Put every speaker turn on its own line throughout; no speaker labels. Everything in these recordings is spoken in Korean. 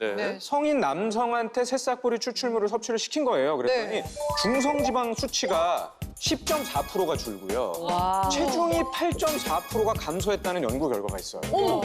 네.
성인 남성한테 새싹보리 추출물을 섭취를 시킨 거예요. 그랬더니 중성지방 수치가 10.4%가 줄고요. 체중이 8.4%가 감소했다는 연구 결과가 있어요.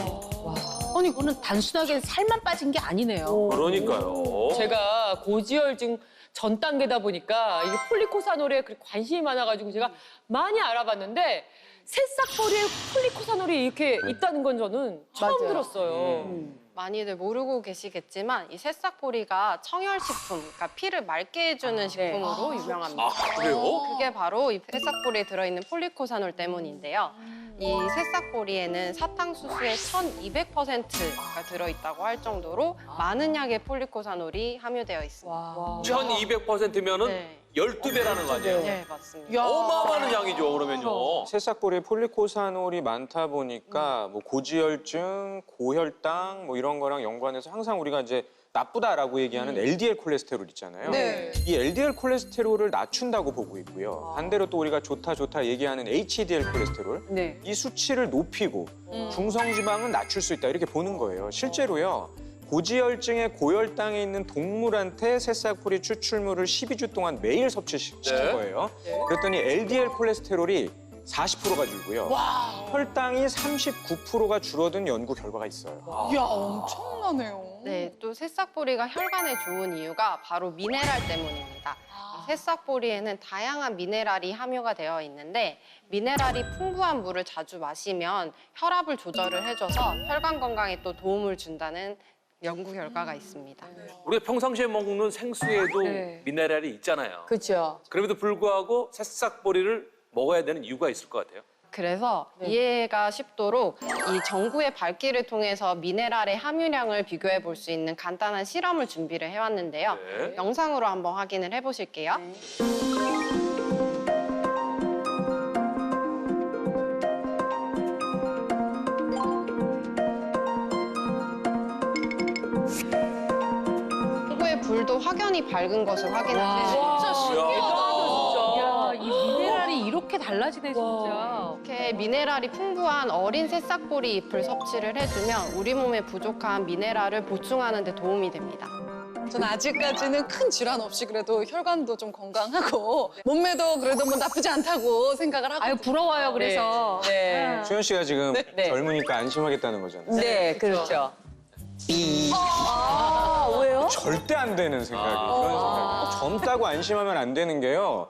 아니, 이거는 단순하게 살만 빠진 게 아니네요.
그러니까요.
제가 고지혈증 전 단계다 보니까 이게 폴리코사놀에 관심이 많아가지고 제가 많이 알아봤는데 새싹보리에 폴리코사놀이 이렇게 있다는 건 저는 처음 들었어요.
많이들 모르고 계시겠지만 이 새싹보리가 청혈식품, 그러니까 피를 맑게 해주는 식품으로 유명합니다.
아, 그래요?
그게 바로 이 새싹보리에 들어있는 폴리코사놀 때문인데요. 이 새싹보리에는 사탕수수의 1200%가 들어있다고 할 정도로 많은 양의 폴리코사놀이 함유되어 있습니다.
1200%면은
네.
12배라는 거 아니에요?
네, 맞습니다.
어마어마한 양이죠, 그러면요.
새싹보리에 폴리코사놀이 많다 보니까 뭐 고지혈증, 고혈당 뭐 이런 거랑 연관해서 항상 우리가 이제 나쁘다라고 얘기하는 LDL 콜레스테롤 있잖아요. 이 LDL 콜레스테롤을 낮춘다고 보고 있고요. 반대로 또 우리가 좋다 얘기하는 HDL 콜레스테롤 이 수치를 높이고 중성지방은 낮출 수 있다 이렇게 보는 거예요. 실제로요. 고지혈증에 고혈당에 있는 동물한테 새싹보리 추출물을 12주 동안 매일 섭취시킨 거예요. 그랬더니 LDL 콜레스테롤이 40%가 줄고요. 혈당이 39%가 줄어든 연구 결과가 있어요.
이야, 엄청나네요.
네, 또 새싹보리가 혈관에 좋은 이유가 바로 미네랄 때문입니다. 이 새싹보리에는 다양한 미네랄이 함유가 되어 있는데 미네랄이 풍부한 물을 자주 마시면 혈압을 조절을 해줘서 혈관 건강에 또 도움을 준다는 연구 결과가 있습니다.
우리가 평상시에 먹는 생수에도 미네랄이 있잖아요.
그렇죠.
그럼에도 불구하고 새싹보리를 먹어야 되는 이유가 있을 것 같아요.
그래서 이해가 쉽도록 이 전구의 밝기를 통해서 미네랄의 함유량을 비교해 볼 수 있는 간단한 실험을 준비를 해왔는데요. 영상으로 한번 확인을 해보실게요. 전구의 불도 확연히 밝은 것을 확인할 수 있어요.
진짜 신기하다, 진짜.
야, 이 미네랄이 이렇게 달라지네, 진짜.
이렇게 미네랄이 풍부한 어린 새싹보리 잎을 섭취를 해주면 우리 몸에 부족한 미네랄을 보충하는 데 도움이 됩니다.
전 아직까지는 큰 질환 없이 그래도 혈관도 좀 건강하고 몸매도 그래도 뭐 나쁘지 않다고 생각을 하고.
아유, 부러워요, 그래서.
네.
수현 씨가 지금 젊으니까 안심하겠다는 거잖아요.
네, 그렇죠.
왜요?
절대 안 되는 생각이 그런 생각이. 젊다고 안심하면 안 되는 게요.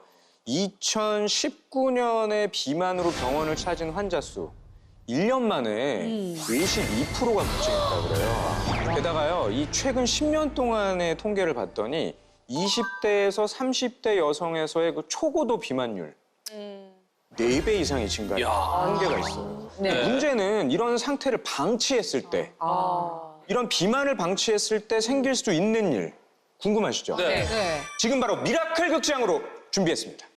2019년에 비만으로 병원을 찾은 환자 수 1년 만에 52%가 급증했다고 그래요. 게다가요, 이 최근 10년 동안의 통계를 봤더니 20대에서 30대 여성에서의 그 초고도 비만율 4배 이상이 증가한 통계가 있어요. 문제는 이런 상태를 방치했을 때 이런 비만을 방치했을 때 생길 수 있는 일 궁금하시죠?
네.
지금 바로 미라클 극장으로 준비했습니다.